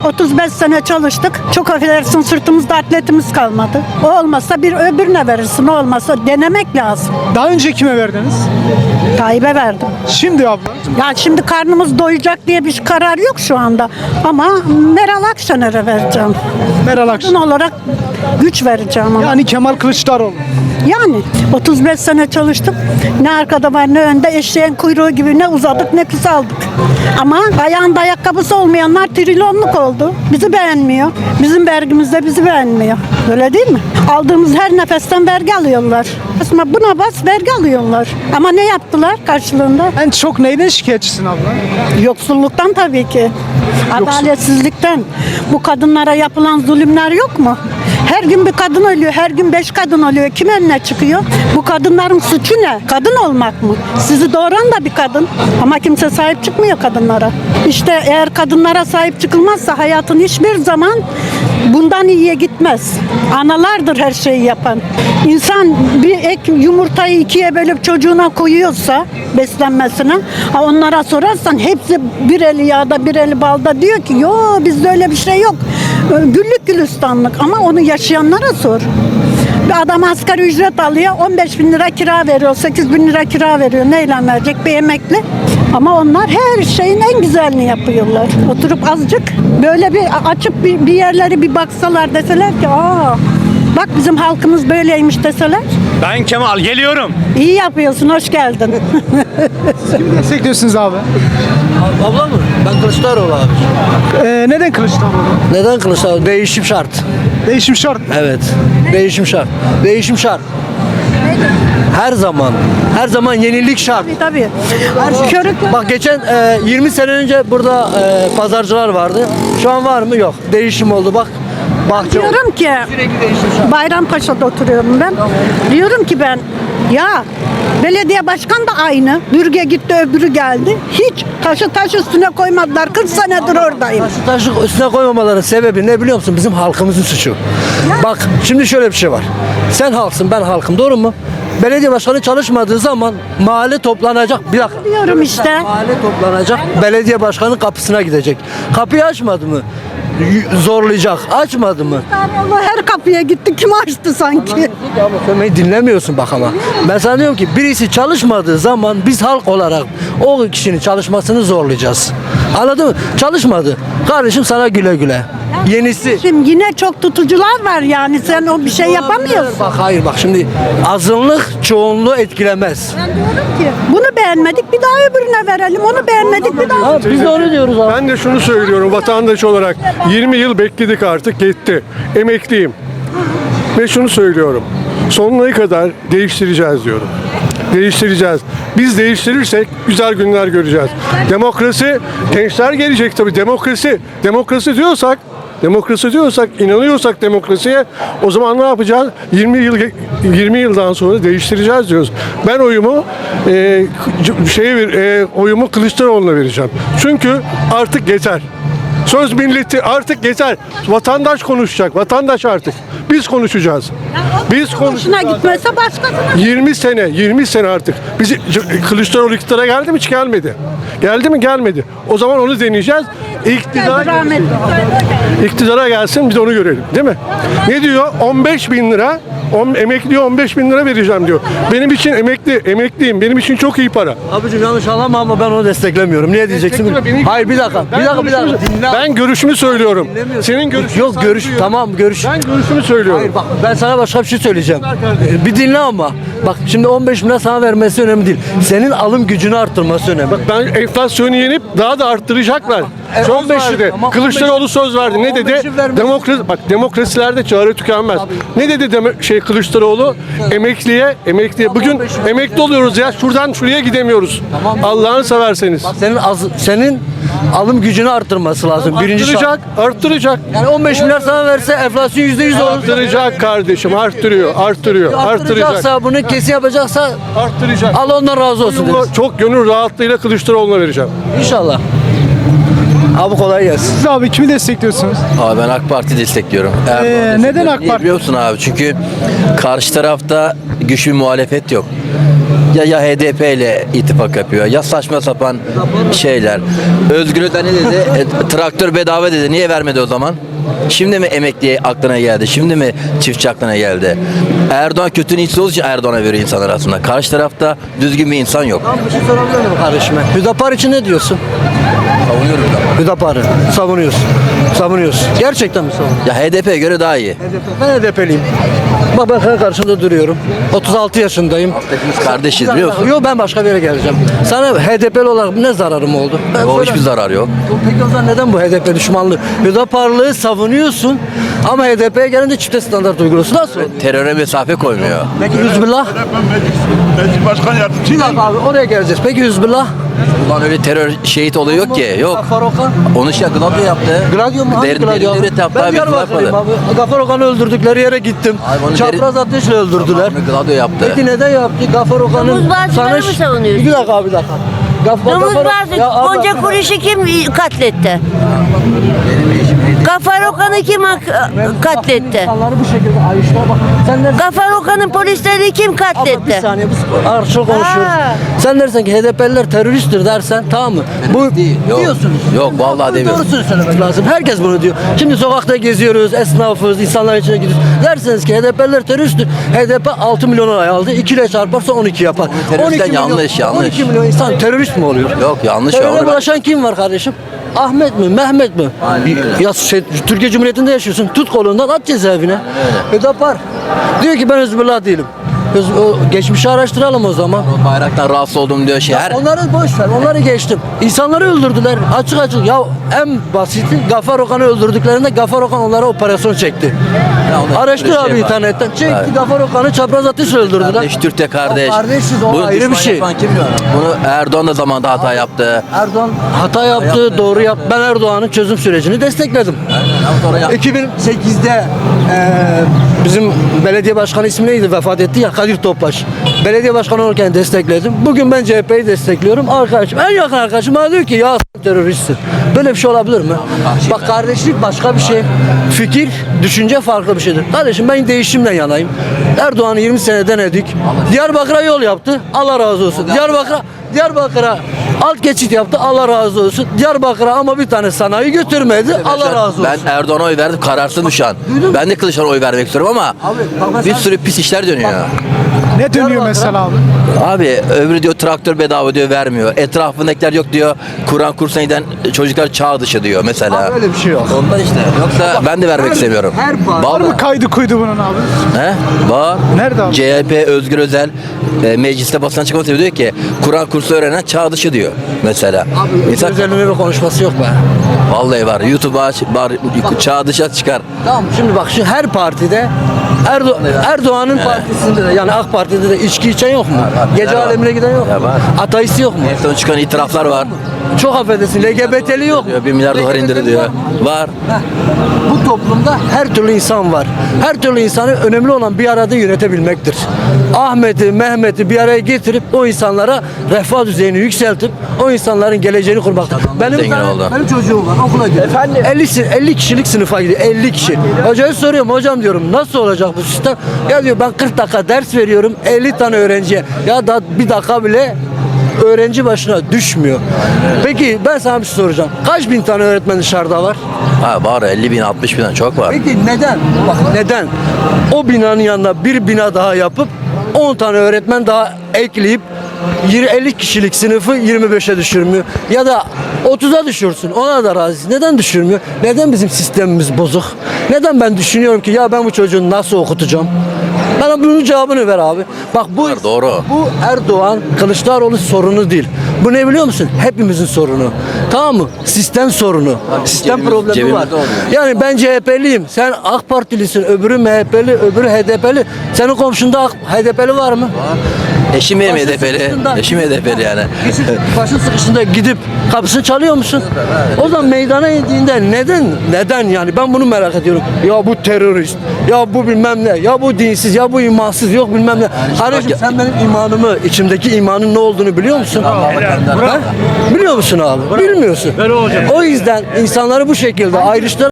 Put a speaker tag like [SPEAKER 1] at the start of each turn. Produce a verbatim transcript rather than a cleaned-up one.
[SPEAKER 1] otuz beş sene çalıştık. Çok affedersin, sırtımızda atletimiz kalmadı. O olmasa bir öbürüne verirsin. O olmasa denemek lazım.
[SPEAKER 2] Daha önce kime verdiniz?
[SPEAKER 1] Tayyip'e verdim.
[SPEAKER 2] Şimdi abla.
[SPEAKER 1] Ya şimdi karnımız doyacak diye bir karar yok şu anda. Ama Meral Akşener'e vereceğim.
[SPEAKER 2] Meral
[SPEAKER 1] Kadın
[SPEAKER 2] Akşener.
[SPEAKER 1] olarak güç vereceğim ona.
[SPEAKER 2] Yani Kemal Kılıçdaroğlu.
[SPEAKER 1] Yani otuz beş sene çalıştık. Ne arkada var ne önde, eşeğin kuyruğu gibi ne uzadık ne kısaldık. Ama ayağında ayakkabısı olmayanlar trilyonluk oldu. Bizi beğenmiyor. Bizim vergimizde bizi beğenmiyor. Öyle değil mi? Aldığımız her nefesten vergi alıyorlar. Aslında buna bas vergi alıyorlar. Ama ne yaptılar karşılığında?
[SPEAKER 2] En çok neyden şikayetçisin abla?
[SPEAKER 1] Yoksulluktan tabii ki. Adaletsizlikten. Bu kadınlara yapılan zulümler yok mu? Her gün bir kadın ölüyor, her gün beş kadın ölüyor. Kim önüne çıkıyor? Bu kadınların suçu ne? Kadın olmak mı? Sizi doğuran da bir kadın. Ama kimse sahip çıkmıyor kadınlara. İşte eğer kadınlara sahip çıkılmazsa hayatın hiçbir zaman bundan iyiye gitmez. Analardır her şeyi yapan. İnsan bir ek yumurtayı ikiye bölüp çocuğuna koyuyorsa beslenmesine, ha onlara sorarsan hepsi bir eli yağda bir eli balda diyor ki yo bizde öyle bir şey yok. Güllük gülistanlık, ama onu yaşayanlara sor. Bir adam asgari ücret alıyor, on beş bin lira kira veriyor, sekiz bin lira kira veriyor. Neyle verecek bir emekli? Ama onlar her şeyin en güzelini yapıyorlar. Oturup azıcık böyle bir açıp bir, bir yerleri bir baksalar, deseler ki aa bak bizim halkımız böyleymiş deseler.
[SPEAKER 3] Ben Kemal, geliyorum.
[SPEAKER 1] İyi yapıyorsun, hoş geldin.
[SPEAKER 2] Kimi destekliyorsunuz abi?
[SPEAKER 4] Abla mı? Ben Kılıçdaroğlu abi.
[SPEAKER 2] Ee, neden Kılıçdaroğlu?
[SPEAKER 4] Neden Kılıçdaroğlu? Değişim şart.
[SPEAKER 2] Değişim şart.
[SPEAKER 4] Evet. Değişim şart. Değişim şart. Her zaman. Her zaman yenilik şart.
[SPEAKER 1] Tabii tabii. Körük.
[SPEAKER 4] Bak geçen e, yirmi sene önce burada e, pazarcılar vardı. Şu an var mı? Yok. Değişim oldu bak. Bahçe oldu.
[SPEAKER 1] Diyorum ki
[SPEAKER 4] Sürekli değişim şart.
[SPEAKER 1] Bayrampaşa'da oturuyorum ben. Diyorum ki ben ya belediye başkan da aynı. Bürge gitti öbürü geldi. Hiç taşı taş üstüne koymadılar. kırk senedir oradayım.
[SPEAKER 4] Taşı taşı üstüne koymamaların sebebi ne biliyor musun? Bizim halkımızın suçu. Bak şimdi şöyle bir şey var. Sen halksın, ben halkım, doğru mu? Belediye başkanı çalışmadığı zaman mahalle toplanacak. Bir dakika.
[SPEAKER 1] Diyorum işte.
[SPEAKER 4] Mahalle toplanacak. Belediye başkanı kapısına gidecek. Kapıyı açmadı mı? Y- Zorlayacak. Açmadı mı?
[SPEAKER 1] Allah her kapıya gitti. Kim açtı sanki?
[SPEAKER 4] Ama sen beni dinlemiyorsun bak ama. Ben sana diyorum ki birisi çalışmadığı zaman biz halk olarak o kişinin çalışmasını zorlayacağız. Anladın mı? Çalışmadı. Kardeşim sana güle güle. Yenisi.
[SPEAKER 1] Şimdi yine çok tutucular var yani. Sen o bir şey yapamıyorsun.
[SPEAKER 4] Bak hayır bak şimdi azınlık çoğunluğu etkilemez.
[SPEAKER 1] Ben diyorum ki bunu beğenmedik bir daha öbürüne verelim. Onu beğenmedik bir daha.
[SPEAKER 4] Ha, biz de onu diyoruz abi.
[SPEAKER 5] Ben de şunu söylüyorum vatandaş olarak yirmi yıl bekledik, artık yetti. Emekliyim. Ve şunu söylüyorum. Sonuna kadar değiştireceğiz diyorum. Değiştireceğiz. Biz değiştirirsek güzel günler göreceğiz. Demokrasi, gençler gelecek tabii. Demokrasi, demokrasi diyorsak, demokrasi diyorsak, inanıyorsak demokrasiye, o zaman ne yapacağız? yirmi yıl yirmi yıldan sonra değiştireceğiz diyoruz. Ben oyumu e, şey e, oyumu Kılıçdaroğlu'na vereceğim. Çünkü artık yeter. Söz milleti artık yeter. Vatandaş konuşacak. Vatandaş artık. Biz konuşacağız. Biz
[SPEAKER 1] Hoşuna
[SPEAKER 5] konuşacağız.
[SPEAKER 1] gitmese başkasına.
[SPEAKER 5] yirmi sene, yirmi sene artık. Bizi Kılıçdaroğlu iktidara geldi mi? Hiç gelmedi. Geldi mi? Gelmedi. O zaman onu deneyeceğiz. İktidara,
[SPEAKER 1] Rahmetli.
[SPEAKER 5] iktidara gelsin, biz onu görelim. Değil mi? Ne diyor? on beş bin lira, on, emekliye on beş bin lira vereceğim diyor. Benim için emekli, emekliyim. Benim için çok iyi para.
[SPEAKER 4] Abicim yanlış anlama ama ben onu desteklemiyorum. Niye diyeceksin?
[SPEAKER 5] Destekleme, beni-
[SPEAKER 4] Hayır bir dakika. Bir
[SPEAKER 5] Ben
[SPEAKER 4] dakika bir dakika.
[SPEAKER 5] görüşümü-
[SPEAKER 4] Dinle.
[SPEAKER 5] Ben görüşümü söylüyorum.
[SPEAKER 4] Dinlemiyorsun.
[SPEAKER 5] Senin görüşün.
[SPEAKER 4] Yok görüş tamam görüş.
[SPEAKER 5] Ben görüşümü söylüyorum.
[SPEAKER 4] Hayır bak ben sana başka bir şey söyleyeceğim. Ee, Bir dinle ama. Bak şimdi on beş bin lira sana vermesi önemli değil. Senin alım gücünü arttırması önemli.
[SPEAKER 5] Ben enflasyonu yenip daha da arttıracaklar.
[SPEAKER 4] E,
[SPEAKER 5] Söz
[SPEAKER 4] on beş
[SPEAKER 5] verdi.
[SPEAKER 4] tamam,
[SPEAKER 5] Kılıçdaroğlu söz verdi. Ne
[SPEAKER 4] on
[SPEAKER 5] dedi?
[SPEAKER 4] beşi vermez.
[SPEAKER 5] Demokrasi, bak demokrasilerde çare tükenmez. Ne dedi deme, şey Kılıçdaroğlu? Emekliye, emekliye. Bugün
[SPEAKER 4] on beş
[SPEAKER 5] emekli oluyoruz ya. Şuradan şuraya gidemiyoruz.
[SPEAKER 4] Tamam.
[SPEAKER 5] Allah'ını severseniz.
[SPEAKER 4] Bak senin az, senin alım gücünü arttırması lazım. Birinci şart.
[SPEAKER 5] Arttıracak, arttıracak.
[SPEAKER 4] Yani on beş milyar sana verse enflasyon yüzde yüz olur.
[SPEAKER 5] Arttıracak kardeşim, arttırıyor, arttırıyor, arttıracak.
[SPEAKER 4] Arttıracaksa bunu kesin yapacaksa
[SPEAKER 5] Arttıracak.
[SPEAKER 4] Allah ondan razı olsun
[SPEAKER 5] Oyumu
[SPEAKER 4] deriz.
[SPEAKER 5] çok gönül rahatlığıyla Kılıçdaroğlu'na vereceğim.
[SPEAKER 4] İnşallah. Abi kolay gelsin.
[SPEAKER 2] Siz abi kimi destekliyorsunuz?
[SPEAKER 6] Abi ben AK Parti destekliyorum. Erdoğan
[SPEAKER 2] Ee,
[SPEAKER 6] destekliyorum.
[SPEAKER 2] neden AK
[SPEAKER 6] Niye
[SPEAKER 2] Parti?
[SPEAKER 6] biliyor musun abi? Çünkü karşı tarafta güçlü bir muhalefet yok. Ya ya H D P ile ittifak yapıyor ya saçma sapan şeyler. Özgür Özel ne dedi? E, traktör bedava dedi. Niye vermedi o zaman? Şimdi mi emekliye aklına geldi? Şimdi mi çiftçi aklına geldi? Erdoğan kötü niyetli olduğu için Erdoğan'a veriyor insanlar aslında. Karşı tarafta düzgün bir insan yok.
[SPEAKER 4] Tamam, bir şey sorabilir miyim kardeşime? Hüdapar için ne diyorsun?
[SPEAKER 6] Savunuyorum da.
[SPEAKER 4] Hüdapar'ı savunuyorsun. Savunuyorsun. Gerçekten mi savunuyorsun?
[SPEAKER 6] Ya H D P'ye göre daha iyi.
[SPEAKER 4] Ben H D P'liyim. Bak ben senin karşında duruyorum. otuz altı yaşındayım.
[SPEAKER 6] Hepimiz kardeşiz biliyor musun?
[SPEAKER 4] Yok, ben başka bir yere geleceğim. Sana H D P'li olarak ne zararım oldu? Ben
[SPEAKER 6] O
[SPEAKER 4] sana-
[SPEAKER 6] hiçbir zarar yok.
[SPEAKER 4] Peki o zaman neden bu H D P düşmanlığı? Hüdaparlığı savunuyorsun ama H D P'ye gelince çifte standart uyguluyorsun. Nasıl?
[SPEAKER 6] Teröre mesafe koymuyor.
[SPEAKER 4] Peki Hüzbullah?
[SPEAKER 7] Meclis Başkan Yardımcısı.
[SPEAKER 4] Bir dakika abi, oraya geleceğiz. Peki Hüzbullah?
[SPEAKER 6] Ulan öyle terör şehit olayı yok ki. Yok.
[SPEAKER 4] Gafar Okan?
[SPEAKER 6] Onu şey Gladio yaptı.
[SPEAKER 4] Gladio mu? Hangi
[SPEAKER 6] Derin,
[SPEAKER 4] Gladio?
[SPEAKER 6] derin devlet yaptı
[SPEAKER 4] Ben
[SPEAKER 6] abi.
[SPEAKER 4] Diyarbakır'lıyım
[SPEAKER 6] yapmadı.
[SPEAKER 4] abi. Gafar Okan'ı öldürdükleri yere gittim.
[SPEAKER 6] Abi onu
[SPEAKER 4] Çapraz ateşle öldürdüler.
[SPEAKER 6] Onu Gladio yaptı.
[SPEAKER 4] Peki neden yaptı? Gafar Okan'ın
[SPEAKER 8] Domuz bağcıları mı savunuyorsun?
[SPEAKER 4] Bir dakika abi, bir dakika. Gafar,
[SPEAKER 8] Domuz
[SPEAKER 4] Gafar-
[SPEAKER 8] bazı
[SPEAKER 4] Ya abi-
[SPEAKER 8] Gonca Kuruş'u kim katletti? Gafar Okan'ı kim hak- katletti?
[SPEAKER 4] İnsanları bu şekilde ayrıştılar. Bak sen dersin,
[SPEAKER 8] Gafar Okan'ın polisleri kim
[SPEAKER 4] abla bir
[SPEAKER 8] katletti?
[SPEAKER 4] saniye biz arşıl konuşuyoruz.
[SPEAKER 8] Ha.
[SPEAKER 4] Sen dersen ki H D P'liler teröristtir dersen, tamam mı? Bu
[SPEAKER 6] değil, yok.
[SPEAKER 4] diyorsunuz.
[SPEAKER 6] Yok, vallahi
[SPEAKER 4] Bu
[SPEAKER 6] demiyorum.
[SPEAKER 4] Doğrusunu söylemek lazım. Herkes bunu diyor. Şimdi sokakta geziyoruz, esnafız, insanlar içine gidiyoruz. Derseniz ki H D P'liler teröristtir. H D P altı milyon oy aldı. iki ile çarparsa on iki yapar.
[SPEAKER 6] teröristten
[SPEAKER 4] milyon-
[SPEAKER 6] yanlış, yanlış.
[SPEAKER 4] on iki milyon insan terörist mi oluyor?
[SPEAKER 6] Yok, yanlış ya,
[SPEAKER 4] Teröre
[SPEAKER 6] onu ben-
[SPEAKER 4] bulaşan kim var kardeşim? Ahmet mi? Mehmet mi? Ya şey, Türkiye Cumhuriyeti'nde yaşıyorsun. Tut kolundan at cezaevine. Hüdapar diyor ki ben Hizbullah değilim. Hız- o geçmişi araştıralım o zaman.
[SPEAKER 6] O bayraktan rahatsız oldum diyor şey. Her
[SPEAKER 4] Onları boş ver, onları geçtim. İnsanları öldürdüler, açık açık. Ya en basiti Gafar Okan'ı öldürdüklerinde Gafar Okan onlara operasyon çekti.
[SPEAKER 6] Ya onda
[SPEAKER 4] Araştır
[SPEAKER 6] bir şey
[SPEAKER 4] abi
[SPEAKER 6] var.
[SPEAKER 4] internetten. Çekti,
[SPEAKER 6] Evet.
[SPEAKER 4] Gafar Okan'ı çapraz ateşle öldürdüler.
[SPEAKER 6] kardeş, Türk de kardeş.
[SPEAKER 4] O kardeşiz, o
[SPEAKER 6] Bunu
[SPEAKER 4] ayrı bir
[SPEAKER 6] düşman
[SPEAKER 4] şey.
[SPEAKER 6] yapan kim diyor? Bunu Erdoğan da zamanında hata yaptı.
[SPEAKER 4] Erdoğan hata yaptı, doğru yaptı. Ben Erdoğan'ın çözüm sürecini destekledim.
[SPEAKER 6] Sonra yap-
[SPEAKER 4] iki bin sekizde eee, bizim belediye başkanı ismi neydi, vefat etti ya, Kadir Topbaş. Belediye başkanı olurken destekledim. Bugün ben C H P'yi destekliyorum. Arkadaşım, en yakın arkadaşım bana diyor ki ya s- teröristsin. Böyle bir şey olabilir mi? Bak kardeşlik başka bir şey. Fikir, düşünce farklı bir şeydir. Kardeşim ben değişimden yanayım. Erdoğan'ı yirmi sene denedik. Diyarbakır'a yol yaptı. Allah razı olsun. Diyarbakır'a Diyarbakır'a alt geçit yaptı. Allah razı olsun. Diyarbakır'a ama bir tane sanayi götürmedi. Allah razı olsun.
[SPEAKER 6] Ben Erdoğan'a oy verdim, kararsızım şu an. Ben de Kılıçdaroğlu'na oy vermek istiyorum ama
[SPEAKER 4] Abi, bak ben
[SPEAKER 6] bir
[SPEAKER 4] sana-
[SPEAKER 6] sürü pis işler dönüyor.
[SPEAKER 2] Ne dönüyor
[SPEAKER 4] Diyarbakır'a-
[SPEAKER 2] mesela abi?
[SPEAKER 6] Abi öbürü diyor traktör bedava diyor vermiyor. Etrafındakiler yok diyor. Kur'an kursuna giden çocuklar çağ dışı diyor mesela.
[SPEAKER 4] Abi öyle bir şey yok.
[SPEAKER 6] Ondan işte. Yoksa ben de vermek
[SPEAKER 4] her-
[SPEAKER 6] istemiyorum.
[SPEAKER 4] her parti-
[SPEAKER 2] Var
[SPEAKER 6] Vallahi.
[SPEAKER 2] mı kaydı kuydu bunun abi?
[SPEAKER 6] He? Var.
[SPEAKER 2] Nerede abi?
[SPEAKER 6] C H P Özgür Özel e, mecliste basın açıklaması diyor ki Kur'an kursu öğrenen çağ dışı diyor mesela.
[SPEAKER 4] Abi
[SPEAKER 6] İnsan,
[SPEAKER 4] üzerine bir konuşması yok be.
[SPEAKER 6] vallahi var. YouTube'a aç, var, çağ dışı çıkar.
[SPEAKER 4] Tamam, şimdi bak şu her partide Erdo Erdoğan'ın partisinde de yani AK Parti'de de içki içen yok mu?
[SPEAKER 6] var.
[SPEAKER 4] Gece
[SPEAKER 6] Var.
[SPEAKER 4] alemine giden yok mu?
[SPEAKER 6] Ya var.
[SPEAKER 4] Ateist yok mu?
[SPEAKER 6] En son çıkan itiraflar var.
[SPEAKER 4] Çok affedersin, L G B T'li yok mu?
[SPEAKER 6] Diyor, bir milyar dolar
[SPEAKER 4] L G B T'li
[SPEAKER 6] indiri diyor.
[SPEAKER 4] var mı?
[SPEAKER 6] Var.
[SPEAKER 4] Heh. Bu toplumda her türlü insan var. Her türlü insanı önemli olan bir arada yönetebilmektir. Ahmet'i, Mehmet'i bir araya getirip o insanlara refah düzeyini yükseltip o insanların geleceğini kurmak. Benim,
[SPEAKER 6] zengin
[SPEAKER 4] tane-
[SPEAKER 6] oldu.
[SPEAKER 4] benim çocuğum var, okula gidiyor. Efendim? elli, si- elli kişilik sınıfa gidiyor. elli kişi. Hocaya soruyorum, hocam diyorum nasıl olacak bu sistem? Ya diyor ben kırk dakika ders veriyorum elli tane öğrenciye. Ya da bir dakika bile öğrenci başına düşmüyor. Peki ben sana bir şey soracağım. Kaç bin tane öğretmen dışarıda var?
[SPEAKER 6] Ha var elli bin altmış bin çok var.
[SPEAKER 4] Peki neden? Bak neden? O binanın yanına bir bina daha yapıp on tane öğretmen daha ekleyip yirmi elli kişilik sınıfı yirmi beşe düşürmüyor. Ya da otuza düşürsün. Ona da razı. Neden düşürmüyor? Neden bizim sistemimiz bozuk? Neden ben düşünüyorum ki ya ben bu çocuğu nasıl okutacağım? Bana bunun cevabını ver abi. Bak bu
[SPEAKER 6] Var, doğru.
[SPEAKER 4] bu Erdoğan Kılıçdaroğlu sorunu değil. Bu ne biliyor musun? Hepimizin sorunu. Tamam mı? Sistem sorunu. Sistem
[SPEAKER 6] cebimiz-
[SPEAKER 4] problemi
[SPEAKER 6] cebimizde
[SPEAKER 4] var.
[SPEAKER 6] oluyor.
[SPEAKER 4] Yani ben C H P'liyim. Sen AK Partilisin. Öbürü M H P'li, öbürü H D P'li. Senin komşunda AK- H D P'li var mı?
[SPEAKER 6] Eşim benim
[SPEAKER 4] Başın
[SPEAKER 6] H D P'li.
[SPEAKER 4] sıkıştığında-
[SPEAKER 6] Eşim H D P'li yani.
[SPEAKER 4] Başın sıkışında gidip kapısını çalıyor musun? O zaman meydana indiğinde neden? Neden yani? Ben bunu merak ediyorum. Ya bu terörist, ya bu bilmem ne, ya bu dinsiz, ya bu imansız, yok bilmem ne. Kardeşim
[SPEAKER 6] bak-
[SPEAKER 4] sen benim imanımı, içimdeki imanın ne olduğunu biliyor musun? Ha? Biliyor musun abi? Bilmiyorsun. O yüzden insanları bu şekilde ayrıştırarak